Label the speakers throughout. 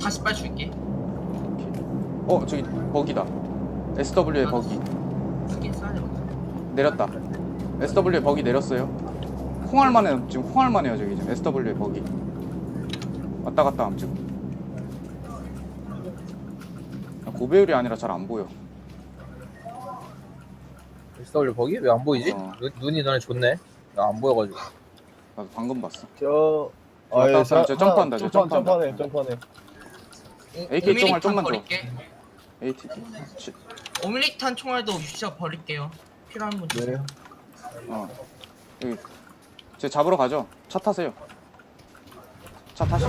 Speaker 1: 40발 줄게.
Speaker 2: 저기 버기다. SW에 버기
Speaker 1: 여기 쏴야 돼.
Speaker 2: 내렸다. SW에 버기 내렸어요. 홍할만해요. 지금 홍할만해요. 저기 지금 SW에 버기 왔다 갔다 함 지금. 고배율이 아니라 잘 안 보여.
Speaker 3: SW 거기? 왜 안 보이지? 눈이 너네 좋네. 나 안 보여가지고.
Speaker 2: 나도 방금 봤어.
Speaker 4: 아예
Speaker 2: 저 점프한다. 저 점프한다.
Speaker 4: 점프하네.
Speaker 2: AK 총알 좀만 줘.
Speaker 1: 버릴게.
Speaker 2: AT.
Speaker 1: 5mm탄 총알도 유치아 버릴게요. 필요한 분 주세요.
Speaker 2: 여기 제 잡으러 가죠. 차 타세요. 차 타시죠.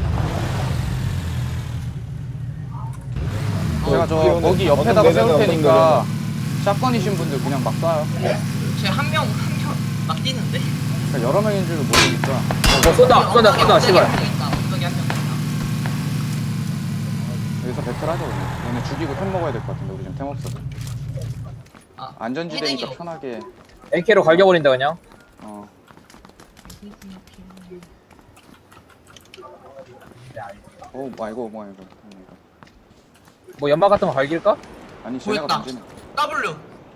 Speaker 2: 제가 저 거기 옆에다가 세울 테니까 샷건이신 분들 그냥 막 쏴요.
Speaker 1: 쟤 한 명 막 뛰는데.
Speaker 2: 그러니까 여러 명인 줄 모르니까.
Speaker 3: 쏜다, 씨발.
Speaker 1: 엉덩이 한명 있다.
Speaker 2: 여기서 배틀하죠. 그냥. 얘네 죽이고 템 먹어야 될 것 같은데 우리 지금 템 없어서. 안전지대니까
Speaker 1: 헤딩이요.
Speaker 2: 편하게.
Speaker 3: AK로 갈겨버린다 그냥.
Speaker 2: 이거.
Speaker 3: 뭐 연막 같은 거 갈길까?
Speaker 2: 아니 쟤네가
Speaker 1: 보였다.
Speaker 2: 던지네.
Speaker 1: W.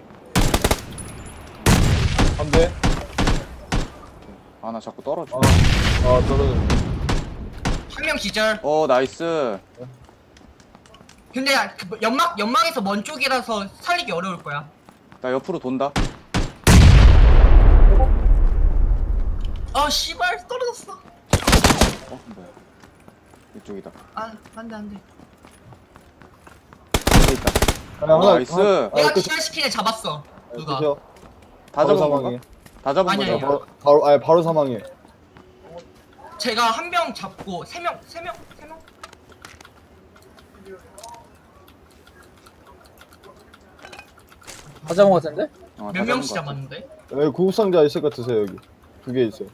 Speaker 4: 한 대.
Speaker 2: 나 자꾸 떨어져.
Speaker 4: 떨어져.
Speaker 1: 한 명 기절.
Speaker 2: 나이스.
Speaker 1: 근데 그 연막에서 먼 쪽이라서 살리기 어려울 거야.
Speaker 2: 나 옆으로 돈다.
Speaker 1: 씨발 떨어졌어.
Speaker 2: 뭐야. 이쪽이다.
Speaker 1: 안돼.
Speaker 2: 여기 있다. 나이스.
Speaker 1: 내가 기절시킨 애 잡았어. 누가?
Speaker 2: 다 잡은 건가? 다 잡은
Speaker 1: 아니야,
Speaker 2: 거죠?
Speaker 4: 바로 사망해.
Speaker 1: 제가 한 명 잡고 세 명.
Speaker 3: 다 잡은 거 같은데?
Speaker 2: 다
Speaker 1: 몇 명씩
Speaker 2: 잡은 거 같아.
Speaker 1: 잡았는데?
Speaker 4: 여기 구급상자 있을 것 드세요 여기. 2개 있어요.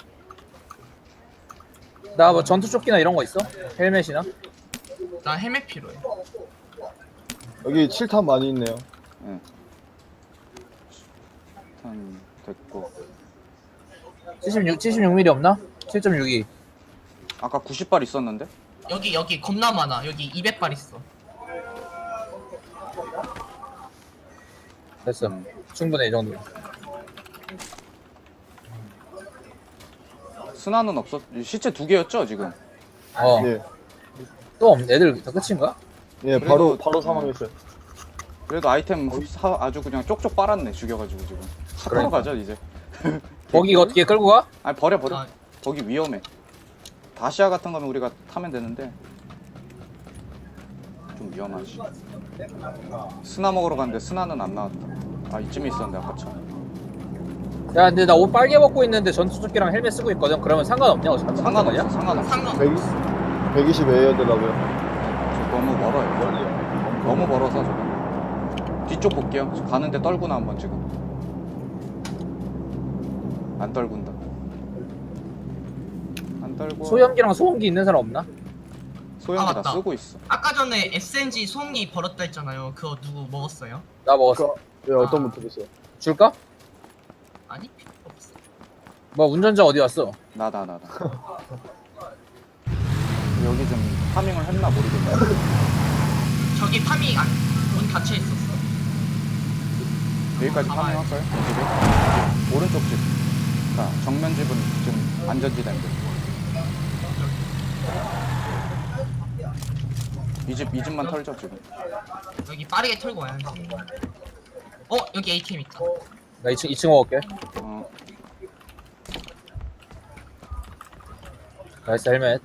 Speaker 3: 나 뭐 전투조끼나 이런 거 있어? 헬멧이나?
Speaker 1: 나 헬멧 필요해.
Speaker 4: 여기 7탄 많이 있네요.
Speaker 2: 네. 일단 됐고.
Speaker 3: 76mm 없나? 7.62.
Speaker 2: 아까 90발 있었는데?
Speaker 1: 여기 겁나 많아. 여기 200발 있어.
Speaker 3: 됐어. 충분해 이 정도.
Speaker 2: 스나는 없었. 시체 2개였죠 지금?
Speaker 4: 예.
Speaker 3: 또 없네. 애들 다 끝인가?
Speaker 4: 예, 바로 사망했어요.
Speaker 2: 그래도 아이템 아주 그냥 쪽쪽 빨았네. 죽여가지고 지금. 차 타러 가죠 이제.
Speaker 3: 거기가 어떻게 끌고 가?
Speaker 2: 아니 버려. 거기 위험해. 다시아 같은 거면 우리가 타면 되는데 좀 위험하지. 스나 먹으러 갔는데 스나는 안 나왔다. 이쯤에 있었는데 아까 차.
Speaker 3: 야 근데 나 옷 빨개 벗고 있는데 전투조끼랑 헬멧 쓰고 있거든. 그러면 상관없냐?
Speaker 2: 상관없어.
Speaker 1: 상관없어.
Speaker 4: 120에 되더라고요.
Speaker 2: 너무 멀어요. 너무 멀어서 저거. 뒤쪽 볼게요. 가는데 떨구나 한번 지금. 안 떨군다. 안 떨고.
Speaker 3: 소염기랑 소음기 있는 사람 없나?
Speaker 2: 소형기 다
Speaker 1: 맞다.
Speaker 2: 쓰고 있어.
Speaker 1: 아까 전에 SNG 소음기 버렸다 했잖아요. 그거 누구 먹었어요?
Speaker 3: 나 먹었어.
Speaker 4: 예, 어떤 분 드셨어요?
Speaker 3: 줄까?
Speaker 1: 아니 필요 없어.
Speaker 3: 뭐 운전자 어디 갔어?
Speaker 2: 나다. 여기 좀 파밍을 했나 모르겠네.
Speaker 1: 저기 파밍 문 닫혀 있었어.
Speaker 2: 여기까지 파밍할까요? 이 집에? 오른쪽 집. 자, 정면 집은 지금 안전지대인데. 이 집만 털죠 지금.
Speaker 1: 여기 빠르게 털고 와야지. 여기 ATM 있다.
Speaker 3: 나 2층 먹을게. 나이스 헬멧.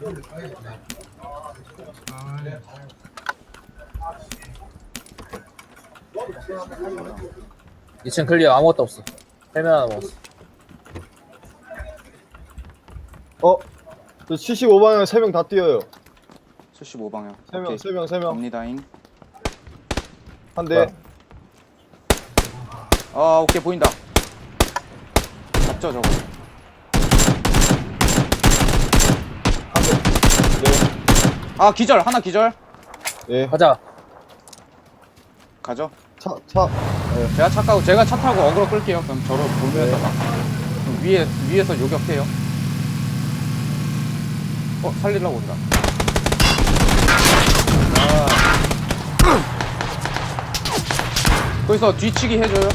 Speaker 3: 2층 클리어. 아무것도 없어. 헬멧 하나 먹었어.
Speaker 4: 저 75방향 3명 다 뛰어요.
Speaker 2: 75방향.
Speaker 4: 3명.
Speaker 2: 갑니다잉.
Speaker 4: 한 대.
Speaker 2: 오케이 보인다. 잡죠 저거.
Speaker 4: 네.
Speaker 2: 기절. 하나 기절.
Speaker 4: 예.
Speaker 3: 가자.
Speaker 2: 가죠.
Speaker 4: 차.
Speaker 2: 제가 차 타고 어그로 끌게요. 그럼 저를 돌면서 막 그럼 위에서 요격해요. 살리려고 온다. 거기서 뒤치기 해줘요.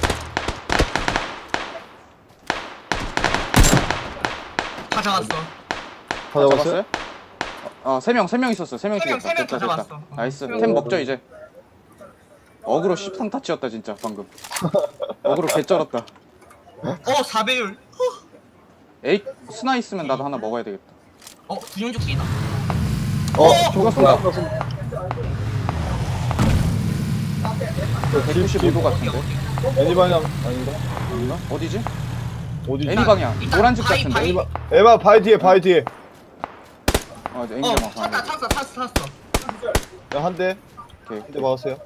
Speaker 1: 다 잡았어.
Speaker 4: 다 잡았어요?
Speaker 2: 아, 3명 있었어. 3명
Speaker 1: 세 명,
Speaker 2: 죽였다.
Speaker 1: 세명
Speaker 2: 됐다,
Speaker 1: 다
Speaker 2: 됐다.
Speaker 1: 잡았어.
Speaker 2: 나이스.
Speaker 1: 세 명.
Speaker 2: 템 먹죠, 이제. 어그로 13타 치였다, 진짜, 방금. 어그로 개쩔었다.
Speaker 1: 4배율.
Speaker 2: 에이, 스나 있으면 나도 하나 먹어야 되겠다.
Speaker 1: 군용조끼다.
Speaker 2: 저거
Speaker 3: 뭐야?
Speaker 2: 쏜다. 195도 같은데?
Speaker 4: 애니 방향 아닌가?
Speaker 2: 아닌가? 어디지?
Speaker 4: 어디지?
Speaker 2: 애니 방향.
Speaker 1: 일단
Speaker 2: 노란 집
Speaker 1: 바위,
Speaker 2: 같은데?
Speaker 1: 바위.
Speaker 4: 에바 바위 뒤에 바위 뒤에.
Speaker 2: 애니 방향.
Speaker 1: 탔어.
Speaker 4: 야, 한 대.
Speaker 2: 오케이.
Speaker 4: 한 대 막았어요.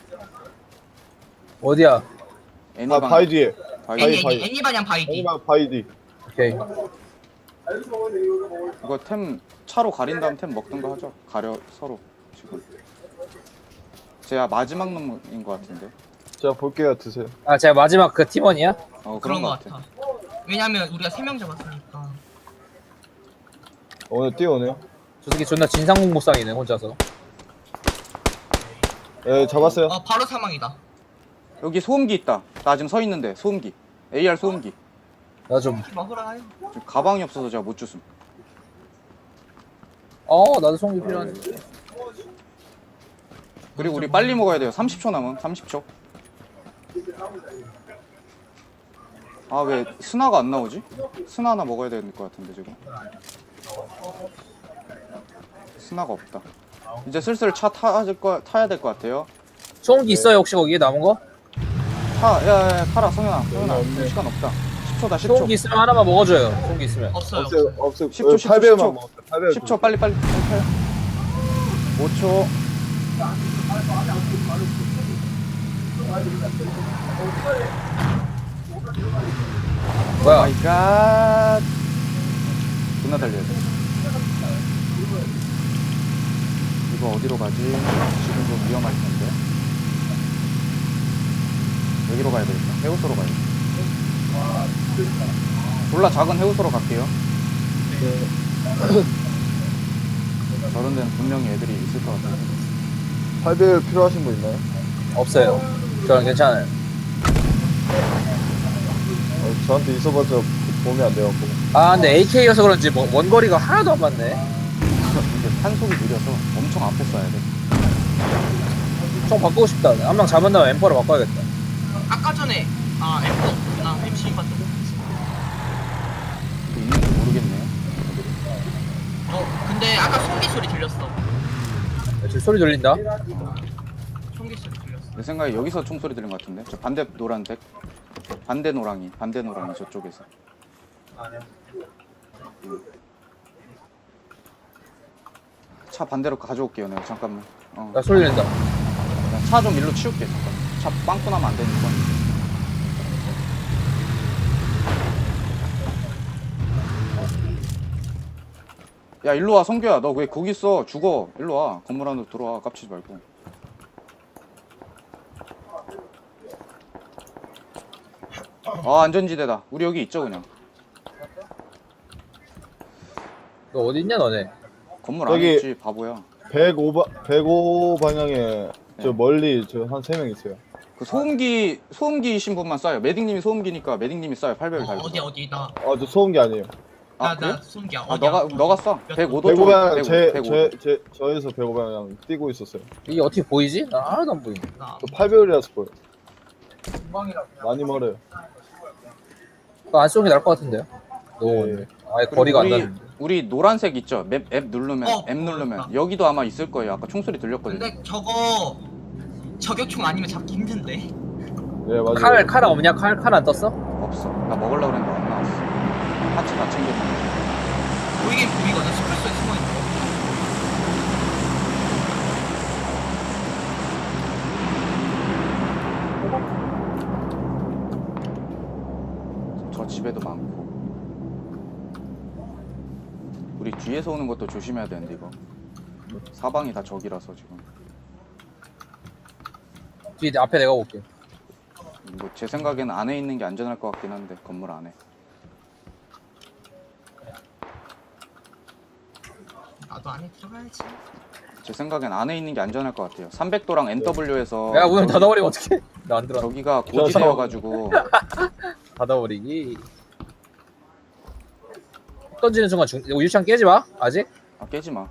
Speaker 3: 어디야?
Speaker 2: 애니
Speaker 4: 아,
Speaker 2: 방향.
Speaker 4: 바위 뒤에.
Speaker 2: 바위.
Speaker 4: 바위.
Speaker 1: 애니 반향 바위
Speaker 4: 애니
Speaker 1: 뒤.
Speaker 4: 방향 바위 뒤.
Speaker 3: 오케이.
Speaker 2: 이거 템 차로 가린 다음 템 먹든가 하죠. 가려 서로 지금. 제가 마지막 놈인 것 같은데.
Speaker 4: 제가 볼게요. 드세요.
Speaker 3: 아 제가 마지막 그 팀원이야?
Speaker 1: 그런 거
Speaker 2: 것
Speaker 1: 같아. 왜냐면 우리가 3명 잡았으니까.
Speaker 4: 오늘 뛰어오네요.
Speaker 3: 저 새끼 존나 진상공무상이네 혼자서.
Speaker 4: 예, 잡았어요.
Speaker 1: 바로 사망이다.
Speaker 2: 여기 소음기 있다. 나 지금 서 있는데 소음기. AR 소음기.
Speaker 3: 나 좀.
Speaker 1: 먹으라.
Speaker 2: 지금 가방이 없어서 제가 못 줬음.
Speaker 3: 나도 송기 필요한데.
Speaker 2: 그리고 우리 빨리 먹어야 돼요. 30초 남음. 30초. 아, 왜 스나가 안 나오지? 스나 하나 먹어야 될 것 같은데 지금. 스나가 없다. 이제 슬슬 차 타야 될 것 같아요.
Speaker 3: 송기 있어요 혹시 거기에 남은 거?
Speaker 2: 야, 팔아, 성현아.
Speaker 4: 없네.
Speaker 2: 시간 없다. 10초다, 10초.
Speaker 3: 송기 있으면 하나만 먹어줘요. 송기 있으면.
Speaker 1: 없어요.
Speaker 4: 없어요.
Speaker 2: 10초, 10초,
Speaker 4: 8배만
Speaker 2: 10초.
Speaker 4: 먹었어요. 8배.
Speaker 2: 10초, 빨리 타요. 5초.
Speaker 3: 뭐야?
Speaker 2: 마이 갓. 존나 달려야 돼. 이거 어디로 가지? 지금 좀 위험할 텐데. 여기로 가야 되겠다. 해우소로 가야 돼. 졸라 작은 해우소로 갈게요. 저런 데는 분명히 애들이 있을 것 같아요.
Speaker 4: 8배 필요하신 분 있나요?
Speaker 3: 없어요. 저는 괜찮아요.
Speaker 4: 저한테 있어봤자 도움이 안 돼갖고.
Speaker 3: 근데 AK여서 그런지 뭐 원거리가 하나도 안 맞네.
Speaker 2: 근데 탄속이 느려서 엄청 앞에 쏴야 돼.
Speaker 3: 총 바꾸고 싶다. 한 명 잡은다면 M4로 바꿔야겠다.
Speaker 1: 아까 전에 M4 없구나. MC 봤던 거.
Speaker 2: 있는지 모르겠네요.
Speaker 1: 근데 아까 송기 소리 들렸어.
Speaker 3: 지금 소리 들린다.
Speaker 1: 송기 소리 들렸어.
Speaker 2: 내 생각에 여기서 총소리 들린 것 같은데. 저 반대 노란색. 반대 노랑이 저쪽에서. 차 반대로 가져올게요. 내가 잠깐만.
Speaker 3: 나 소리 들린다.
Speaker 2: 차 좀 일로 치울게. 잠깐. 차 빵꾸 나면 안 되니까. 야, 일로 와, 성규야. 너 왜 거기 있어? 죽어. 일로 와. 건물 안으로 들어와. 깝치지 말고. 안전지대다. 우리 여기 있죠, 그냥.
Speaker 3: 너 어디 있냐 너네?
Speaker 2: 건물
Speaker 4: 저기-
Speaker 2: 안에 있지, 바보야.
Speaker 4: 105 방향에 저
Speaker 2: 네.
Speaker 4: 멀리 저 한 3명 있어요.
Speaker 2: 그 소음기이신 분만 쏴요. 메딩님이 소음기니까 메딩님이 쏴요. 800을 달고.
Speaker 1: 어디 나.
Speaker 4: 저 소음기 아니에요.
Speaker 2: 그래?
Speaker 1: 송기야.
Speaker 2: 아, 너가 쏴. 105도
Speaker 4: 105
Speaker 2: 쪽.
Speaker 4: 방향
Speaker 2: 105.
Speaker 4: 저에서 105 방향 뛰고 있었어요.
Speaker 3: 이게 어떻게 보이지? 나 하나도 안 보이네.
Speaker 4: 저 8배율이라서 보여. 많이 멀어요.
Speaker 3: 그거 안 쏘는 게 나을 것 같은데요? 너무
Speaker 4: 네.
Speaker 3: 아예 거리가 안
Speaker 2: 우리,
Speaker 3: 나는데.
Speaker 2: 우리 노란색 있죠? 앱 누르면
Speaker 1: 어,
Speaker 2: 앱 누르면
Speaker 1: 보였다.
Speaker 2: 여기도 아마 있을 거예요. 아까 총소리 들렸거든요.
Speaker 1: 근데 저거 저격총 아니면 잡기 힘든데.
Speaker 4: 네, 맞아요.
Speaker 3: 칼 없냐? 칼 안 떴어?
Speaker 2: 없어. 나 먹으려고 그랬는데 안 나왔어. 파츠 다 챙겼는데.
Speaker 1: 보이긴 보이거든. 스플소에 숨어 있는 거.
Speaker 2: 저 집에도 많고. 우리 뒤에서 오는 것도 조심해야 되는데 이거. 사방이 다 적이라서 지금.
Speaker 3: 뒤에 앞에 내가 볼게.
Speaker 2: 뭐 제 생각에는 안에 있는 게 안전할 것 같긴 한데 건물 안에.
Speaker 1: 나도 안에 들어가야지.
Speaker 2: 제 생각엔 안에 있는 게 안전할 것 같아요. 300도랑 NW에서
Speaker 3: 야 문 닫아버리면 어떡해? 나 안 들어.
Speaker 2: 저기가 고지대여가지고
Speaker 3: 닫아버리기. 던지는 순간 유치장 깨지 마. 아직?
Speaker 2: 아, 깨지 마.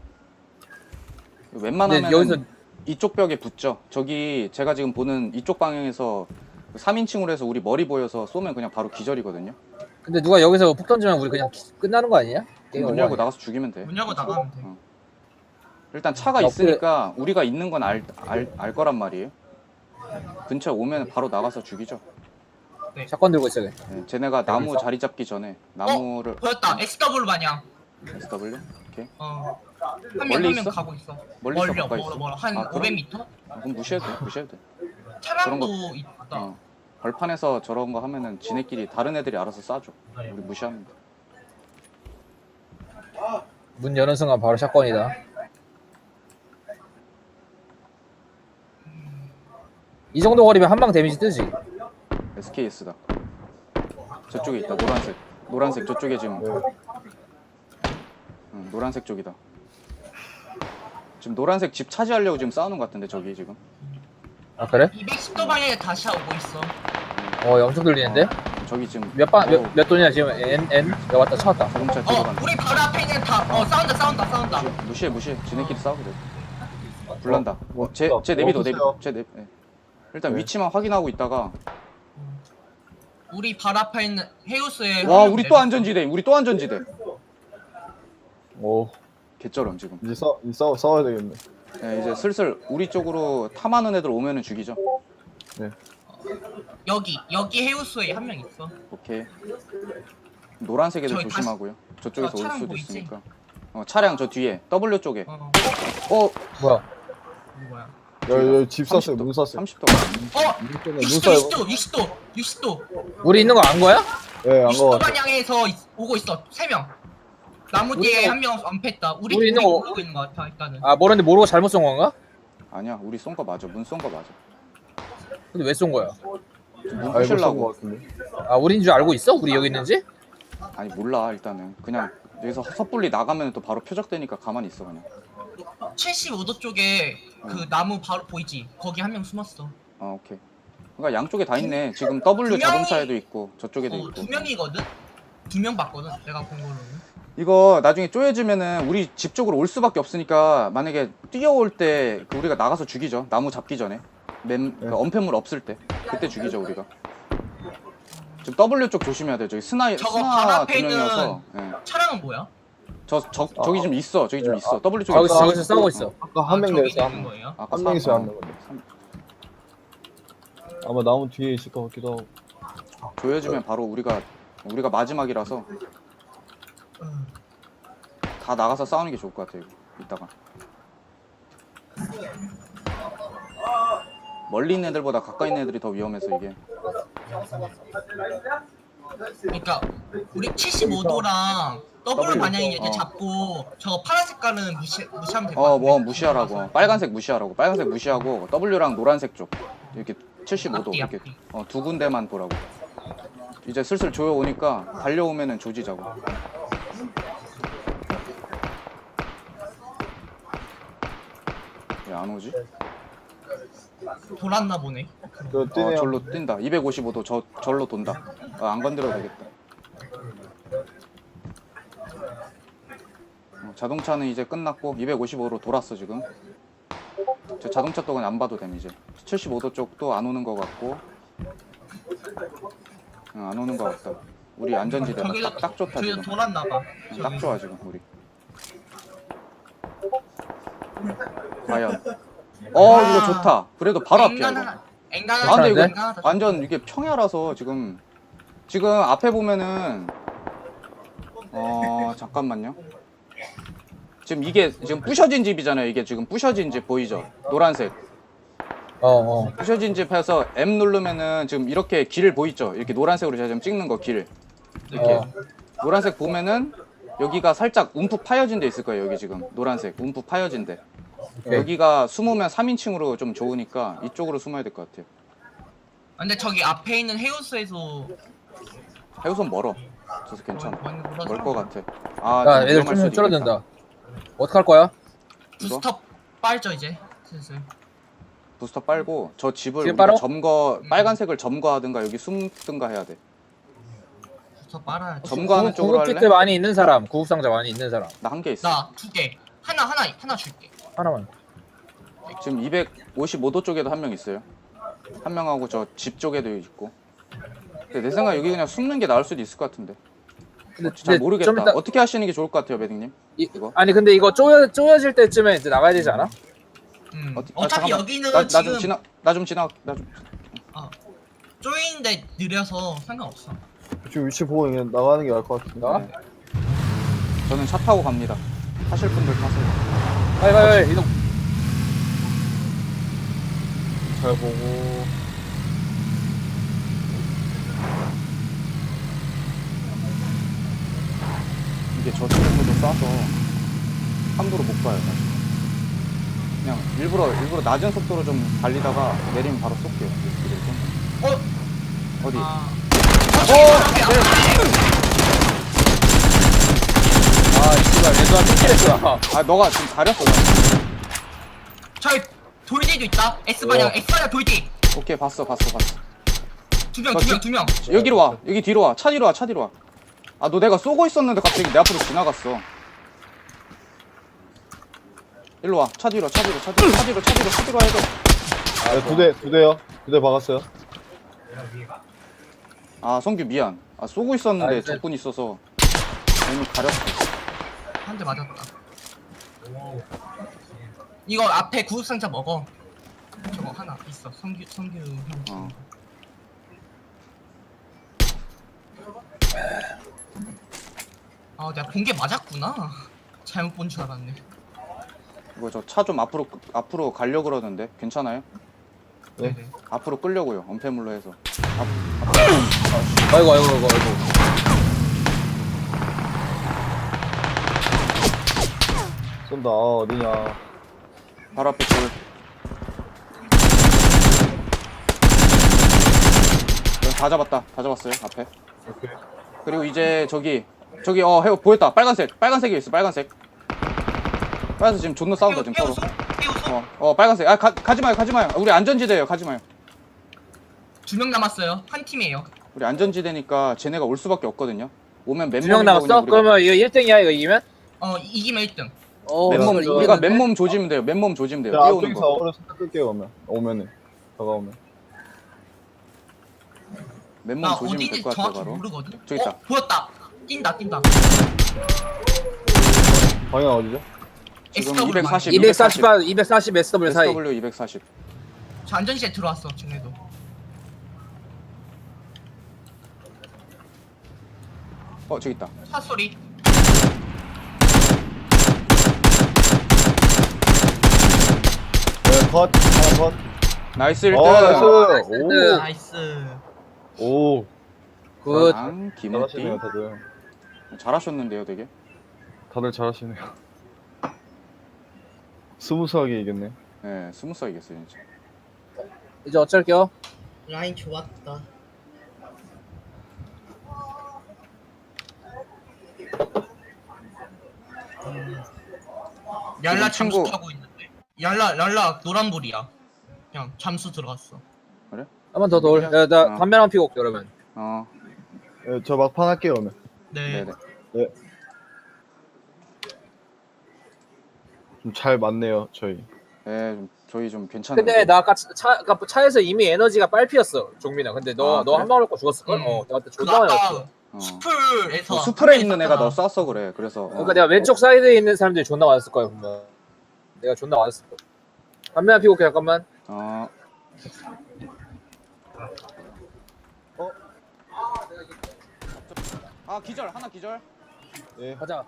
Speaker 3: 근데
Speaker 2: 웬만하면
Speaker 3: 여기서
Speaker 2: 이쪽 벽에 붙죠. 저기 제가 지금 보는 이쪽 방향에서 3인칭으로 해서 우리 머리 보여서 쏘면 그냥 바로 기절이거든요.
Speaker 3: 근데 누가 여기서 폭 던지면 우리 그냥 끝나는 거 아니냐?
Speaker 2: 문 열고 나가서 죽이면 돼.
Speaker 1: 문 열고 나가면 돼.
Speaker 2: 일단 차가 있으니까 우리가 있는 건 알 거란 말이에요. 근처에 오면 바로 나가서 죽이죠.
Speaker 3: 샷건 들고 있어.
Speaker 2: 네, 쟤네가 나무 자리 잡기 전에 나무를
Speaker 1: 보였다. XW 마냥.
Speaker 2: SW? 오케이.
Speaker 1: 한
Speaker 2: 멀리
Speaker 1: 명
Speaker 2: 있어?
Speaker 1: 가고 있어.
Speaker 2: 멀리 있어,
Speaker 1: 멀려,
Speaker 2: 가까이 있어?
Speaker 1: 멀어. 한
Speaker 2: 아, 그럼?
Speaker 1: 500m?
Speaker 2: 그럼 무시해도 돼. 무시해도 돼.
Speaker 1: 차량도
Speaker 2: 저런
Speaker 1: 있다.
Speaker 2: 어. 벌판에서 저런 거 하면은 지네끼리 다른 애들이 알아서 쏴줘. 우리 무시하면 돼.
Speaker 3: 문 여는 순간 바로 샷건이다. 이 정도 거리면 한 방 데미지 뜨지.
Speaker 2: SKS다. 저쪽에 있다. 노란색. 노란색 저쪽에 지금.
Speaker 4: 네.
Speaker 2: 응, 노란색 쪽이다. 지금 노란색 집 차지하려고 지금 싸우는 것 같은데 저기 지금.
Speaker 3: 아 그래?
Speaker 1: 210도 방향에 다시 오고 있어.
Speaker 3: 엄청 들리는데?
Speaker 2: 저기 지금
Speaker 3: 몇 돈이야 지금? N? 야 왔다 차 왔다.
Speaker 2: 자동차 뒤로 간다.
Speaker 1: 우리 바로 앞에 있는 싸운다.
Speaker 2: 무시해. 지네끼리 싸우고 돼. 불난다.
Speaker 4: 뭐,
Speaker 2: 쟤 내비도. 쟤 네. 일단
Speaker 4: 네.
Speaker 2: 위치만 확인하고 있다가.
Speaker 1: 우리 바로 앞에 있는 헤우스에
Speaker 2: 와, 우리 또 안전지대.
Speaker 4: 오,
Speaker 2: 개쩔음 지금.
Speaker 4: 이제 싸워야 되겠네.
Speaker 2: 네, 이제 슬슬 우리 쪽으로 탐하는 애들 오면은 죽이죠.
Speaker 4: 네.
Speaker 1: 여기 헤우스에 한 명 있어.
Speaker 2: 오케이. 노란색 애들
Speaker 1: 저기
Speaker 2: 조심하고요. 저쪽에서 올
Speaker 1: 차량
Speaker 2: 수도
Speaker 1: 보이지?
Speaker 2: 있으니까. 차량 저 뒤에 W 쪽에.
Speaker 1: 어,
Speaker 3: 뭐야?
Speaker 1: 이거 뭐야?
Speaker 4: 여기 집 쐈어요. 문 쐈어요.
Speaker 2: 30도.
Speaker 1: 60도.
Speaker 3: 우리 있는 거 안 거야?
Speaker 4: 네, 안
Speaker 1: 60도
Speaker 4: 거 같아.
Speaker 1: 방향에서 오고 있어. 3명. 나무 뒤에 한 명 엄폐했다.
Speaker 3: 우리 있는 거-
Speaker 1: 보고 있는 거 같아 일단은.
Speaker 3: 아 모르는데 모르고 잘못 쏜 건가?
Speaker 2: 아니야, 우리 쏜 거 맞아. 문 쏜 거 맞아.
Speaker 3: 근데 왜 쏜 거야?
Speaker 2: 문
Speaker 4: 알고 쏜거
Speaker 2: 부실라고.
Speaker 4: 같은데.
Speaker 3: 아 우리인 줄 알고 있어? 우리 여기 있는지?
Speaker 2: 아니 몰라 일단은. 그냥 여기서 섣불리 나가면 또 바로 표적되니까 가만히 있어 그냥.
Speaker 1: 75도 쪽에 그 나무 바로 보이지? 거기 한 명 숨었어.
Speaker 2: 오케이. 그러니까 양쪽에 다 있네. 지금 W
Speaker 1: 두 명이-
Speaker 2: 자동차에도 있고 저쪽에도 있고.
Speaker 1: 2명이거든? 2명 봤거든? 내가 본 걸로는.
Speaker 2: 이거 나중에 쪼여지면은 우리 집 쪽으로 올 수밖에 없으니까 만약에 뛰어올 때 그 우리가 나가서 죽이죠. 나무 잡기 전에. 그 엄폐물 없을 때. 그때 죽이죠 우리가. 지금 W 쪽 조심해야 돼요. 저기
Speaker 1: 저거 바로
Speaker 2: 스나
Speaker 1: 앞에
Speaker 2: 두
Speaker 1: 있는
Speaker 2: 명이어서. 예.
Speaker 1: 차량은 뭐야?
Speaker 2: 저기 좀 있어. 저기 좀 있어. W 쪽에
Speaker 3: 저기서
Speaker 2: 있어.
Speaker 3: 저기서 싸우고 있어.
Speaker 4: 아까 한 명
Speaker 1: 저기
Speaker 4: 내서
Speaker 1: 있는 거예요?
Speaker 2: 아까
Speaker 4: 한 명이서 한 명.
Speaker 2: 삼-
Speaker 4: 아마 나무 뒤에 있을 것 같기도 하고.
Speaker 2: 조여지면 바로 우리가 마지막이라서 다 나가서 싸우는 게 좋을 것 같아요. 이따가 멀리 있는 애들보다 가까이 있는 애들이 더 위험해서 이게.
Speaker 1: 그러니까 우리 75도랑 W 방향이 이제
Speaker 2: 어.
Speaker 1: 잡고 저거 파란 색깔은 무시하면 될 것 같아.
Speaker 2: 뭐 무시하라고. 빨간색 무시하라고. 빨간색 무시하고 W랑 노란색 쪽 이렇게 75도
Speaker 1: 앞뒤,
Speaker 2: 이렇게
Speaker 1: 앞뒤.
Speaker 2: 두 군데만 보라고. 이제 슬슬 조여 오니까 달려오면은 조지자고. 왜 안 오지?
Speaker 1: 돌았나 보네.
Speaker 4: 저 뛰네요.
Speaker 2: 절로 뛴다. 255도 절로 돈다. 안 건드려도 되겠다. 자동차는 이제 끝났고 255로 돌았어 지금. 저 자동차 쪽은 안 봐도 됨 이제. 75도 쪽도 안 오는 것 같고. 안 오는 것 같다. 우리 안전지대가 딱 좋다
Speaker 1: 저기서
Speaker 2: 지금.
Speaker 1: 돌았나 봐.
Speaker 2: 딱 좋아 지금 우리. 과연. 이거 좋다. 그래도 바로 앞이야 이거.
Speaker 1: 앵간한
Speaker 2: 아 근데 이거
Speaker 3: 괜찮은데?
Speaker 2: 완전 이게 평야라서 지금 앞에 보면은 잠깐만요. 지금 이게 지금 부셔진 집이잖아요. 이게 지금 부셔진 집 보이죠? 노란색. 부셔진 집에서 M 누르면은 지금 이렇게 길 보이죠? 이렇게 노란색으로 제가 지금 찍는 거 길. 이렇게 노란색 보면은 여기가 살짝 움푹 파여진 데 있을 거예요. 여기 지금 노란색 움푹 파여진 데. 여기가 숨으면 3인칭으로 좀 좋으니까 이쪽으로 숨어야 될 것 같아요.
Speaker 1: 근데 저기 앞에 있는 헤우스에서
Speaker 2: 해우선 멀어. 저서 괜찮아. 멀 것 같아.
Speaker 3: 야
Speaker 2: 좀
Speaker 3: 애들
Speaker 2: 위험할
Speaker 3: 좀
Speaker 2: 수도 있겠다.
Speaker 3: 줄어든다. 어떡할 거야?
Speaker 1: 부스터 빨죠 이제 슬슬.
Speaker 2: 부스터 빨고 저 집을
Speaker 3: 지금
Speaker 2: 우리가
Speaker 3: 빨아?
Speaker 2: 점거 빨간색을 점거하든가 여기 숨든가 해야 돼.
Speaker 1: 부스터 빨아야지.
Speaker 2: 점거하는 쪽으로
Speaker 3: 구급 키트
Speaker 2: 할래?
Speaker 3: 많이 있는 사람, 구급 상자 많이 있는 사람
Speaker 2: 나 한 개 있어.
Speaker 1: 나 2개. 하나 줄게.
Speaker 3: 하나만.
Speaker 2: 지금 255도 쪽에도 한 명 있어요. 한 명하고 저 집 쪽에도 있고. 근데 내 생각 여기 그냥 숨는 게 나을 수도 있을 것 같은데.
Speaker 3: 근데,
Speaker 2: 잘 모르겠다.
Speaker 3: 좀 이따-
Speaker 2: 어떻게 하시는 게 좋을 것 같아요, 매딩님? 이거?
Speaker 3: 아니 근데 이거 쪼여질 때쯤에 이제 나가야 되지 않아?
Speaker 1: 어차피
Speaker 2: 잠깐만.
Speaker 1: 여기는
Speaker 2: 나
Speaker 1: 지금
Speaker 2: 좀 지나. 나 좀 지나. 나 좀.
Speaker 1: 쪼이는데 느려서 상관없어.
Speaker 4: 지금 위치 보고 그냥 나가는 게 나을 것 같은데.
Speaker 3: 나가?
Speaker 2: 네. 저는 차 타고 갑니다. 타실 분들 타세요.
Speaker 3: 빨리 이동.
Speaker 4: 잘 보고.
Speaker 2: 이게 저 친구도 쏴서 함부로 못 가요. 사실. 그냥 일부러 낮은 속도로 좀 달리다가 내리면 바로 쏠게요.
Speaker 1: 어?
Speaker 2: 어디?
Speaker 1: 아.
Speaker 3: 아 씨발 레드와 쫓기랬어.
Speaker 2: 아 너가 지금 가렸어. 나.
Speaker 1: 저희 돌뒤도 있다. S방향 돌뒤.
Speaker 2: 오케이 봤어.
Speaker 1: 두 명.
Speaker 2: 여기로 와. 여기 뒤로 와. 차 뒤로 와. 아 너 내가 쏘고 있었는데 갑자기 내 앞으로 지나갔어. 일로 와. 차 뒤로 해도.
Speaker 4: 네, 두 대요. 두 대 박았어요.
Speaker 2: 아 성규 미안. 아 쏘고 있었는데
Speaker 3: 나이스.
Speaker 2: 적군 있어서 괜히 가렸어.
Speaker 1: 한 대 맞았다. 이거 앞에 구급상자 먹어. 저거 하나 있어. 성규
Speaker 2: 어.
Speaker 1: 아 내가 본 게 맞았구나. 잘못 본 줄 알았네.
Speaker 2: 이거 저 차 좀 앞으로 가려 그러는데 괜찮아요?
Speaker 4: 네.
Speaker 1: 네네.
Speaker 2: 앞으로 끌려고요. 엄폐물로 해서.
Speaker 3: 아이고.
Speaker 4: 쏜다. 어디냐.
Speaker 2: 바로 앞에 돌. 다 잡았어요. 앞에.
Speaker 4: 오케이.
Speaker 2: 그리고 이제 저기 해요 보였다. 빨간색이 있어. 빨간색 지금 존나 싸운다 지금 서로.
Speaker 1: 띄우소?
Speaker 2: 빨간색. 아 가지 마요. 우리 안전지대예요. 가지 마요.
Speaker 1: 2명 남았어요. 한 팀이에요.
Speaker 2: 우리 안전지대니까 쟤네가 올 수밖에 없거든요. 오면 맨몸.
Speaker 3: 2명 남았어? 그러면 이거 1등이야 이거 이기면?
Speaker 1: 이기면 1등.
Speaker 2: 맨몸
Speaker 3: 이거
Speaker 2: 우리가
Speaker 3: 이겼는데?
Speaker 2: 맨몸 조지면 돼요.
Speaker 4: 자,
Speaker 2: 뛰어오는
Speaker 4: 앞쪽에서
Speaker 2: 거.
Speaker 4: 어그로 살짝 끌게요, 오면은. 다가오면.
Speaker 2: 맨몸
Speaker 1: 나
Speaker 2: 조지면 될
Speaker 1: 어딘지
Speaker 2: 것 같아
Speaker 1: 정확히
Speaker 2: 바로.
Speaker 1: 모르거든.
Speaker 2: 저기 있다.
Speaker 1: 보였다. 뛴다.
Speaker 4: 방향 어디죠?
Speaker 2: 지금
Speaker 1: SW
Speaker 2: 240.
Speaker 3: 240 SW 사이.
Speaker 2: SW 240.
Speaker 1: 저 안전시에 들어왔어. 쟤네도.
Speaker 2: 저기 있다.
Speaker 1: 차 소리.
Speaker 4: 네, 컷. 하나 컷.
Speaker 2: 나이스 1등.
Speaker 4: 나이스.
Speaker 1: 나이스.
Speaker 4: 오.
Speaker 3: 굿.
Speaker 2: 김우띠.
Speaker 4: 잘하시네요, 다들.
Speaker 2: 잘하셨는데요, 되게.
Speaker 4: 다들 잘하시네요. 스무스하게 이겼네.
Speaker 2: 네, 스무스하게 이겼어요, 진짜.
Speaker 3: 이제 어쩔게요.
Speaker 1: 라인 좋았다. 얄라 잠수
Speaker 2: 친구-
Speaker 1: 타고 있는데. 얄라 노란불이야. 그냥 잠수 들어갔어.
Speaker 3: 한 번 더 돌. 야, 나 담배 하나 피고 올게 그러면.
Speaker 4: 네, 저 막판 할게요, 오늘.
Speaker 1: 네.
Speaker 2: 네네.
Speaker 4: 좀 잘 맞네요, 저희.
Speaker 2: 네, 저희 좀 괜찮은데.
Speaker 3: 근데 나 아까 차에서 이미 에너지가 빨피였어 종민아. 근데 너
Speaker 2: 그래?
Speaker 3: 한 방울 거 죽었을걸? 나한테
Speaker 1: 그
Speaker 3: 존나 많이
Speaker 1: 아까
Speaker 3: 왔어.
Speaker 1: 수풀에서
Speaker 2: 수풀에 있는 애가 너 쐈어 그래. 그래서.
Speaker 3: 그러니까 내가 왼쪽 사이드에 있는 사람들이 존나 맞았을 거야 분명. 내가 존나 맞았을 거야. 담배 하나 피고 올게 잠깐만.
Speaker 2: 기절 하나 기절.
Speaker 4: 예.
Speaker 3: 가자.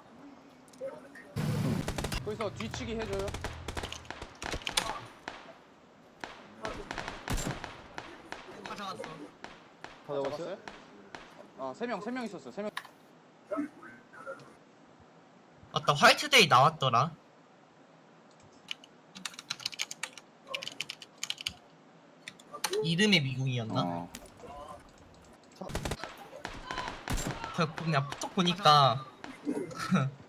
Speaker 2: 거기서 뒤치기 해줘요.
Speaker 1: 가져갔어.
Speaker 4: 찾아봤어요?
Speaker 2: 세 명 있었어. 3명.
Speaker 1: 맞다. 화이트데이 나왔더라. 이름의 미궁이었나? 그냥 톡 보니까